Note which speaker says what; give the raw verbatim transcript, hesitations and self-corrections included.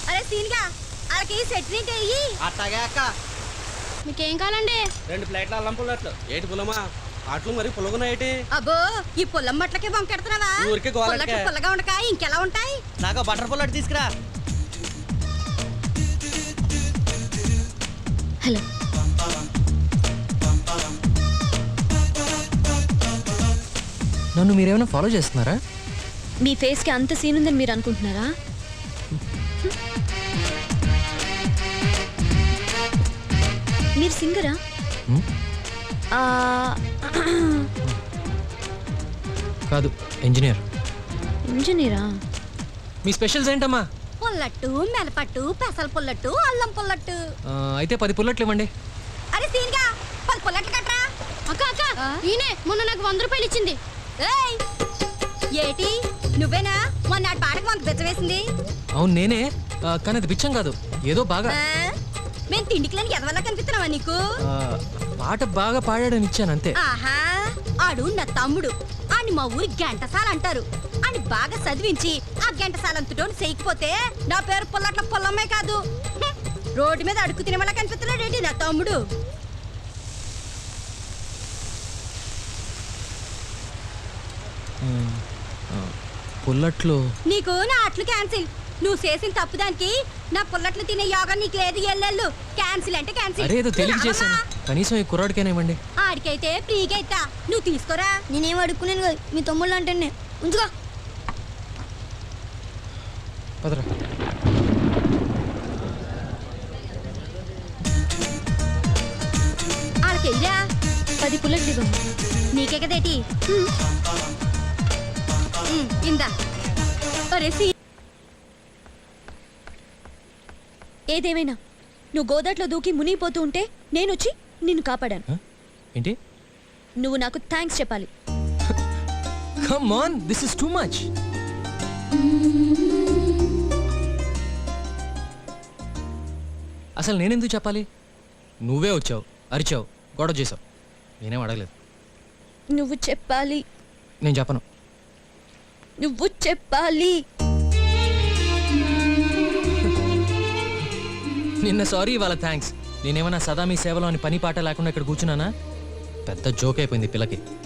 Speaker 1: అరే సీన్గా వాళ్ళకి చట్నీ చెయ్యి.
Speaker 2: అట్టాగే అక్క.
Speaker 1: మీకేం కావాలండి?
Speaker 2: రెండు ప్లేట్ల అల్లం పుల్లట్లు. ఏటి పుల్లమా? అట్లు మరి పుల్లగున్నాయేటి?
Speaker 1: అబ్బో ఈ పుల్లం మట్లకే బొంకెడుతున్నావా?
Speaker 2: ఊరికే గోలకే.
Speaker 1: పుల్లగా ఉండకా ఇంకెలా ఉంటాయి?
Speaker 2: నాకు బటర్ పుల్లట్ తీసుకురా.
Speaker 3: హలో,
Speaker 4: నన్ను మీరేమైనా ఫాలో చేస్తున్నారా?
Speaker 3: మీ ఫేస్ కి అంత సీన్ ఉందని మీరు అనుకుంటున్నారా? మీరు సింగరా?
Speaker 4: కాదు, ఇంజనీర్.
Speaker 3: ఇంజనీరా?
Speaker 4: మీ స్పెషల్స్ ఏంటమ్మా?
Speaker 1: పుల్లట్టు, మెలపట్టు, పెసల పుల్లట్టు, అల్లం పుల్లట్టు.
Speaker 4: ఆ, అయితే పది పుల్లట్లు ఇవ్వండి.
Speaker 1: అరే సీన్గా పది పుల్లట్లు కట్రా.
Speaker 3: అక్క అక్క, ఈయనే మొన్న నాకు వంద రూపాయలు ఇచ్చింది.
Speaker 1: ఏయ్ ఏటి నువ్వేనా మొన్న నాటి పాటకు మనకు బెచ్చవేసింది?
Speaker 4: అవును నేనే, ఆ, కానీ అది బిచ్చం కాదు, ఏదో బాగా
Speaker 1: ఆ? మేము తిండికిలేని ఎదవల్లా కనిపిస్తున్నావా నీకు?
Speaker 4: ఆ, పాట బాగా పాడాడని ఇచ్చాను అంతే.
Speaker 1: ఆహా ఆడు నా తమ్ముడు. అని మా ఊరి గంటసాల అంటారు. అని బాగా చదివించి ఆ గంటసాలంతటోని చేయకపోతే నా పేరు పుల్లట్ల పుల్లమ్మే కాదు. హ్మ్. రోడ్డు మీద అడుగు తినమలా కనిపిస్తున్నాడు ఏంటి నా తమ్ముడు?
Speaker 4: ఉమ్, ఆ, పుల్లట్లు.
Speaker 1: నీకు నా అట్లు క్యాన్సిల్. నువ్వు చేసిన తప్పు దానికి నా పుల్లట్లు తినే యోగా నీకు లేదు. ఎల్లెళ్ళు క్యాన్సిల్ అంటే క్యాన్సిల్.
Speaker 4: అరే ఏదో తెలియక చేశాను, కనీసం ఈ కుర్రాడికైనా ఇవ్వండి.
Speaker 1: ఆడికైతే ఫ్రీగా ఇస్తా, నువ్వు తీసుకోరా.
Speaker 3: నేనేం అడుక్కునేది కాదు, మీ తమ్ముళ్ళు అంటే ఉంచుకో.
Speaker 4: పదరా.
Speaker 1: ఆడికెయ్యరా.
Speaker 3: పది పుల్లట్లు ఇవ్వండి.
Speaker 1: నీకే కదేటి. ఉమ్, ఇందా. ఒరే సీ
Speaker 3: ఏదేమైనా నువ్వు గోదాట్లో దూకి మునిగిపోతూ ఉంటే నేనొచ్చి నిన్ను కాపాడాను.
Speaker 4: ఆ? ఏంటి?
Speaker 3: నువ్వు నాకు థ్యాంక్స్ చెప్పాలి.
Speaker 4: Come on, this is too much. అసలు నేనెందుకు చెప్పాలి? నువ్వే వచ్చావు, అరిచావు, గొడవ చేసావు, నేనేం అడగలేదు.
Speaker 3: నువ్వు చెప్పాలి.
Speaker 4: నేను చెప్పను.
Speaker 3: నువ్వు చెప్పాలి.
Speaker 4: నిన్న సారీ, ఇవాళ థ్యాంక్స్. నేనేమన్నా సదా మీ సేవలో అని పని పాట లేకుండా ఇక్కడ కూర్చున్నానా? పెద్ద జోక్ అయిపోయింది పిల్లకి.